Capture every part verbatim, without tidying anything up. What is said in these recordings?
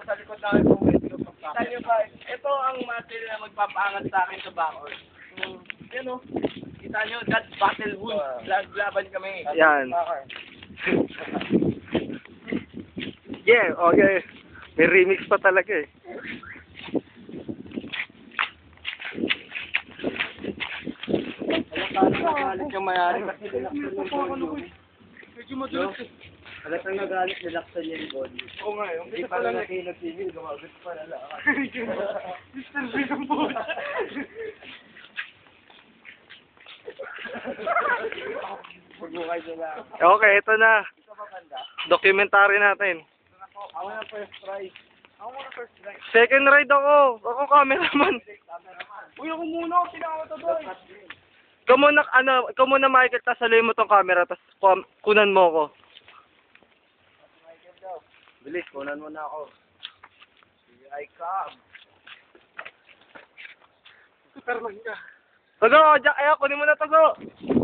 Sa likod namin po, kita nyo ba? Ito ang muscle na magpapaangat sa akin sa backcourt. Hmm. Yan o. Kita nyo, that battle wound. Laban kami. Yan. Yeah, okay. May remix pa talaga eh. Nagalit yung mayari kasi nilaksan yung body. Medyo madulas eh. Alat ang nagalit, nilaksan yung body. Oo nga, yung Hindi kita pa pala lang na nakinig-tigil, gumagod pa na lang. Mister B ng bola. Huwag mo kayo na lang. Okay, ito na. Ito ba banda? Documentary natin. Ako na first prize. Ako muna first prize. Second ride ako. Ako cameraman. Uy, ako muna ako, sinama to doy. Ikaw muna, ano, ikaw muna Michael, tas saluhin mo tong camera, tas kum- kunan mo ko. Bilis, kunan mo na ako. Here I come. Superman ka. Tago, Jack, ayaw, kunin mo na tago.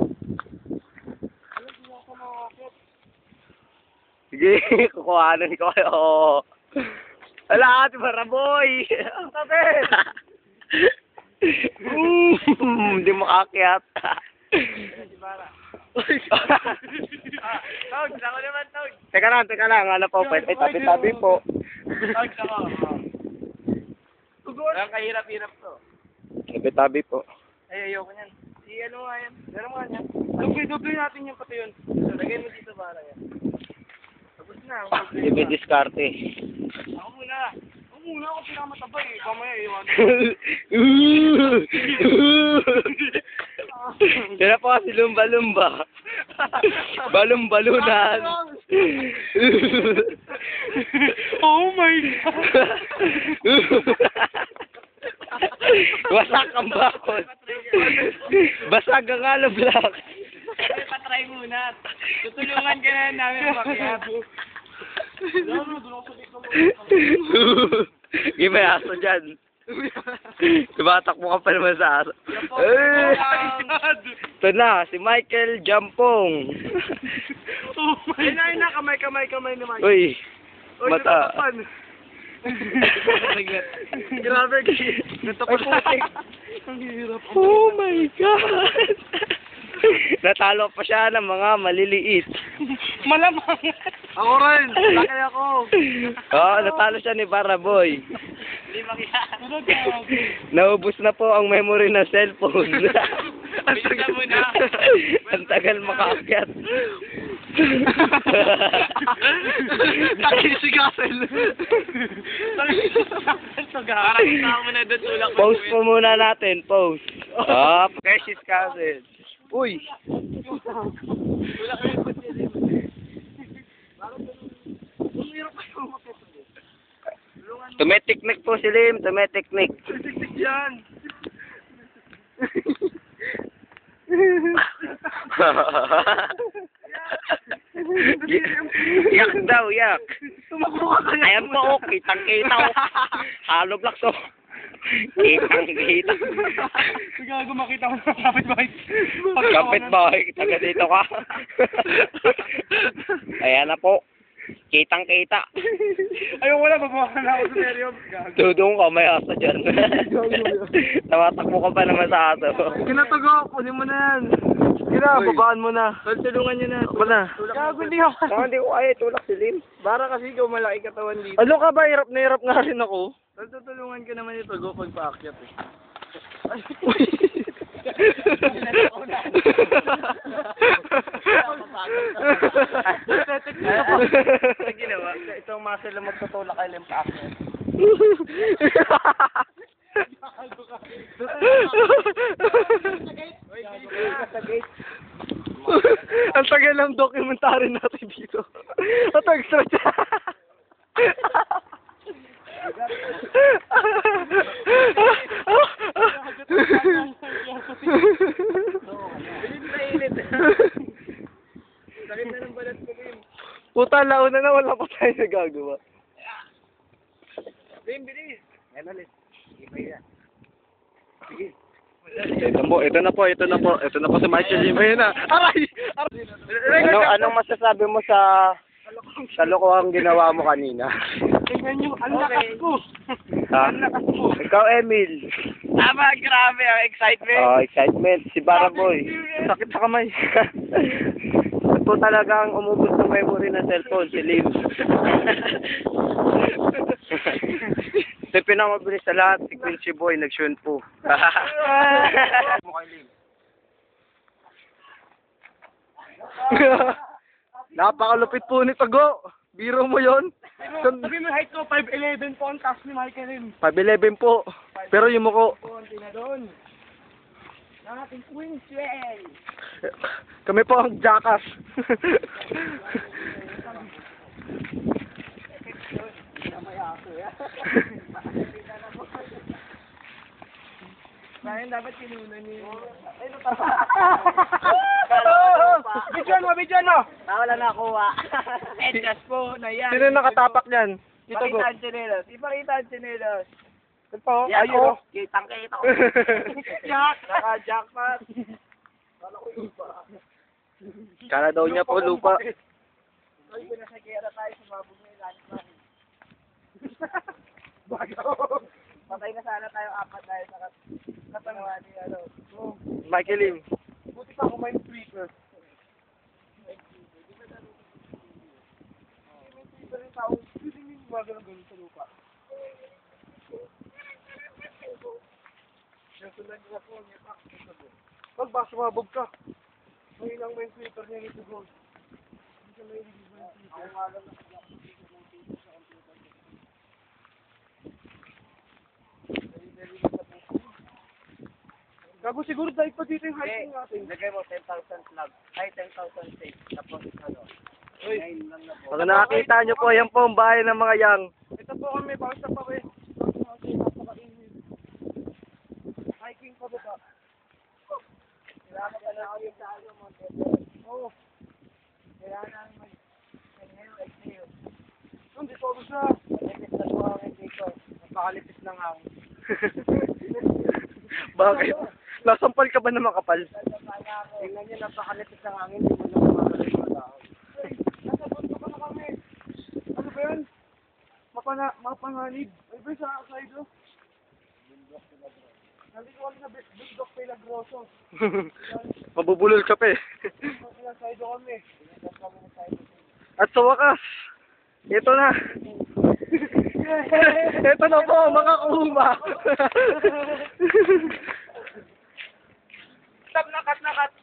Sige, kukuhanan ko kayo. Wala, ati Baraboy. Tabi! Mm, Hindi makakyat. Ah, Tog, ako naman, Tog. Teka lang, teka lang. Ano po, pwede tabi-tabi po. Tog, ako. Ang kahirap-hirap to. Tabi-tabi po. Ay, ayoko niyan. Si ano nga yan? Meron nga yan. Doble-doble natin yung pati yun. Lagay mo dito para yan. Tapos na. Ibe diskarte. Ako muna. Ako muna ako pinakamataba eh. Kamaya iwan. Yan na po kasi lumba-lumba. Balum-balunan. Oh my God! Wasak ang bakod. Basag ang alablak. Ay, patry muna. Tutulungan ka na namin makiap. Hindi may aso dyan. Tumatakbo ka pa naman sa aso. Eh! Ito na, si Michael Jampong. Oh my Ay, na, na, kamay, kamay, kamay ni Mike. Uy, Uy, mata. natatakpan. Grabe, natatakpan. Ang hirap. Oh my God! Natalo pa siya ng mga maliliit. Malamang. Ako rin, laki ako. Oo, natalo siya ni Baraboy. Hindi makita. Naubos na po ang memory ng cellphone. Ang tagal mo na. Ang tagal makaakyat. Takin si Gassel. Takin si Gassel. Parang isama mo na doon tulak. Post mo muna natin, post. Ah, precious cousin. Uy! Tulak mo yung kutsi. Tumetiknik po si Lim, tumetiknik. Tiktik yan. Yak daw, yak. Tumakbo ka kaya. Ayan po, oh, kitang-kita ko. Halo black to. Kitang-kita. Gago makita ko sa kapitbahay. Kapit-bahay, taga dito ka. Ayan na po. Kitang-kita. Ayoko na, babawakan na ako sa seryo. Gago. Tudong ka, may aso dyan. Tawatakbo ka pa naman sa aso. Kinatago, kunin mo na yan. Sige na, babaan mo na. Tulungan niyo na. Ba na? Gago, hindi ako. Saka hindi ko kaya tulak si Lim. Para kasi ikaw malaki katawan dito. Ano ka ba? Hirap na hirap nga rin ako. Tutulungan ka naman ito, go pag paakyat eh. Sa ginawa, itong muscle na magtutulak kay Lim paakyat. Ang tagal ng documentary natin dito. Ito extra siya. Sakit na ng balat ko, Lim. Puta, launa na wala pa tayo nagagawa. Lim, bilis. Yan ulit. Sige pa yan. Sige. Ito po, ito na po, ito na po, ito na po si Michael Jim. Ayun na. Aray! Aray! Ano, anong masasabi mo sa kalokohang ginawa mo kanina? Tingnan nyo, ang lakas ko. Ha? Ikaw, Emil. Tama, grabe ang excitement. Oh, excitement. Si Baraboy. Sakit sa kamay. Ito talagang umubos ng memory ng cellphone, si Lim. Ito yung pinakamabilis sa lahat, si Quincy Boy, nag-shun po. Napakalupit po ni Tago. Biro mo yon. Sabi mo height ko, five eleven po ang taas ni Michael Lim. five eleven po. Pero yung muko. Konti na doon. Ang ating Queenswell. Kami po ang jackass. Ngayon dapat kinunan ni... Ay, no, Bidyan mo, bidyan mo! Wala na kuha. Edgas po na yan. Sino nakatapak niyan? Dito go. Ipakita ang chinelos. Ipakita ang chinelos. Ito po. Yan Ayun. o. Kitang kita ko. Jack. Naka-jackpot. Kala daw niya po lupa. Ay, pinasakira tayo. Sumabog na yung landmine. Bago! Patay na sana tayo apat dahil sa kat katangawa ni ano. Oh, Michael Lim. buti pa ako may sweeper. May sweeper yung tao. Hindi yung gumagano-gano sa lupa. Yung tulad nila po, may pack sa sabon. Pag ba sumabog ka, may ilang may sweeper niya nito gold. Hindi siya may release ng sweeper. Ako nga lang Gago siguro dahil pa dito yung hiking natin. Lagay mo ten thousand plug. Ay, ten thousand safe. Tapos ano. Uy, nine lang na po. Pag nakakita niyo po, yan po ang bahay ng mga yang. ito po kami, bawang sa pawe. Napaka-init. Hiking pa ba ba? Kailangan ka na ako yung sa ano mo. Oo. Kailangan namin mag-inhale, exhale. Hindi po ako sa... Malipis na po ang dito. Napakalipis ng hangin. Bakit? Nasampal ka ba na makapal? Tingnan niyo, napakalipis ng hangin. Hindi mo na makakalipis ng tao. Hey, nasa bunto ka na kami. Ano ba yan? Mapana, mapanganib. Ay ba sa side oh? Nandito kami na Bundok Pelagroso. Mabubulol ka pa eh. Sa side kami. At sa wakas, ito na. Ito na po, mga kuhuma. Stop na cut na cut.